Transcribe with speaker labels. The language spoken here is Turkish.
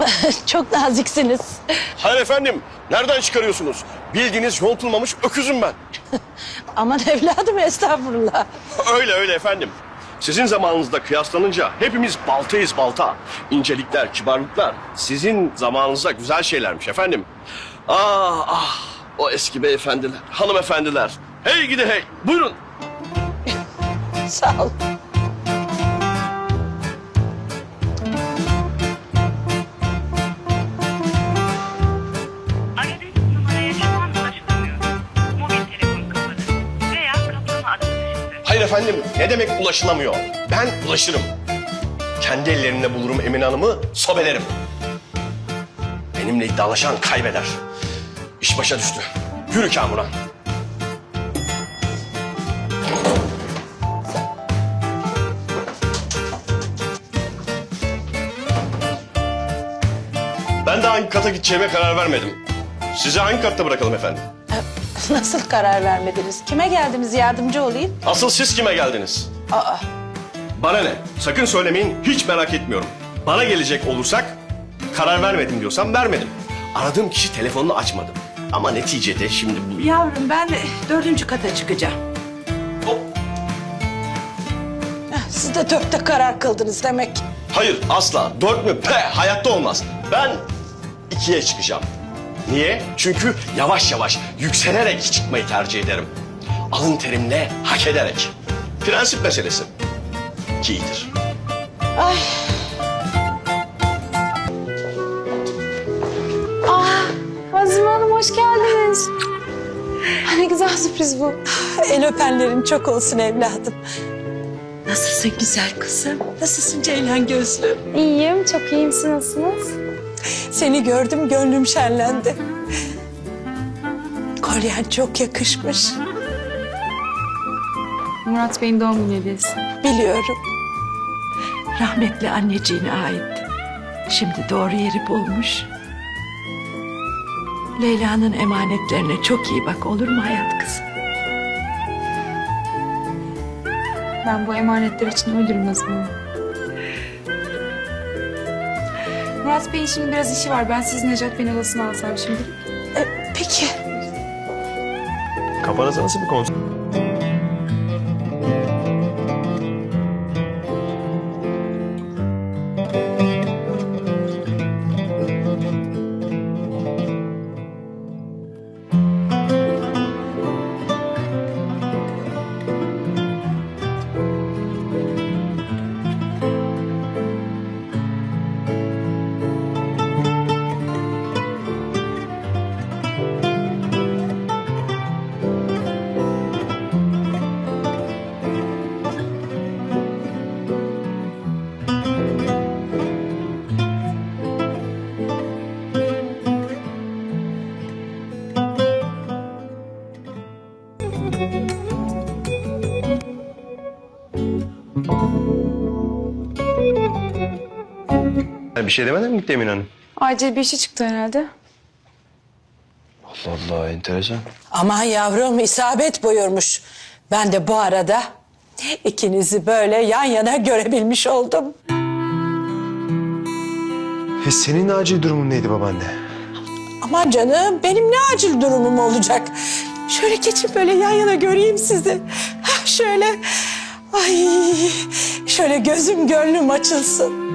Speaker 1: Çok naziksiniz.
Speaker 2: Hayır efendim, nereden çıkarıyorsunuz? Bildiğiniz yontulmamış öküzüm ben.
Speaker 1: Aman evladım, estağfurullah.
Speaker 2: Öyle öyle efendim. Sizin zamanınızda kıyaslanınca hepimiz baltayız balta. İncelikler, kibarlıklar sizin zamanınızda güzel şeylermiş efendim. Ah ah, o eski beyefendiler, hanımefendiler. Hey gidi hey, buyurun.
Speaker 1: Sağ ol.
Speaker 3: Aradığınız numaraya şu an ulaşılamıyor. Mobil telefon kapalı veya kaplama adı dışında.
Speaker 2: Hayır efendim, ne demek ulaşılamıyor? Ben ulaşırım. Kendi ellerimle bulurum Emine Hanım'ı, sobelerim. Benimle iddialaşan kaybeder. İş başa düştü. Yürü Kamuran. Ben de hangi kata gideceğime karar vermedim. Sizi hangi katta bırakalım efendim?
Speaker 1: Nasıl karar vermediniz? Kime geldiniz, yardımcı olayım?
Speaker 2: Asıl siz kime geldiniz?
Speaker 1: Aa,
Speaker 2: Bana ne? Sakın söylemeyin, hiç merak etmiyorum. Bana gelecek olursak, karar vermedim diyorsam vermedim. Aradığım kişi telefonunu açmadı. Ama neticede şimdi bu...
Speaker 1: yavrum, ben 4. kata çıkacağım.
Speaker 2: Hop.
Speaker 1: Siz de 4'te karar kıldınız demek.
Speaker 2: Hayır, asla. 4 mü? Hayatta olmaz. Ben 2'ye çıkacağım. Niye? Çünkü yavaş yavaş, yükselerek çıkmayı tercih ederim. Alın terimle, hak ederek. Prensip meselesi. 2 iyidir.
Speaker 1: Ay.
Speaker 4: Azime Hanım hoş geldiniz. Ne güzel sürpriz bu.
Speaker 1: El öpenlerin çok olsun evladım. Nasılsın güzel kızım? Nasılsın Ceylan gözlüm?
Speaker 4: İyiyim, çok iyiyim. Siz nasılsınız?
Speaker 1: Seni gördüm, gönlüm şenlendi. Kolyen çok yakışmış.
Speaker 4: Murat Bey'in doğum günü hediyesi.
Speaker 1: Biliyorum. Rahmetli anneciğine aitti. Şimdi doğru yeri bulmuş. Leyla'nın emanetlerine çok iyi bak, olur mu hayat kızım?
Speaker 4: Ben bu emanetler için ölürüm Azime Hanım. Murat Bey'in şimdi biraz işi var. Ben sizin Necat Bey'in odasına alsam şimdi.
Speaker 1: Peki.
Speaker 5: Kafanızda nasıl bir konser? Bir şey demeden mi gitti Emine Hanım?
Speaker 4: Acil bir işi çıktı herhalde.
Speaker 5: Allah Allah, enteresan.
Speaker 1: Aman yavrum, isabet buyurmuş. Ben de bu arada ikinizi böyle yan yana görebilmiş oldum.
Speaker 5: Senin acil durumun neydi babaanne?
Speaker 1: Aman canım, benim ne acil durumum olacak? Şöyle geçin, böyle yan yana göreyim sizi. Hah, şöyle. Ay, şöyle gözüm gönlüm açılsın.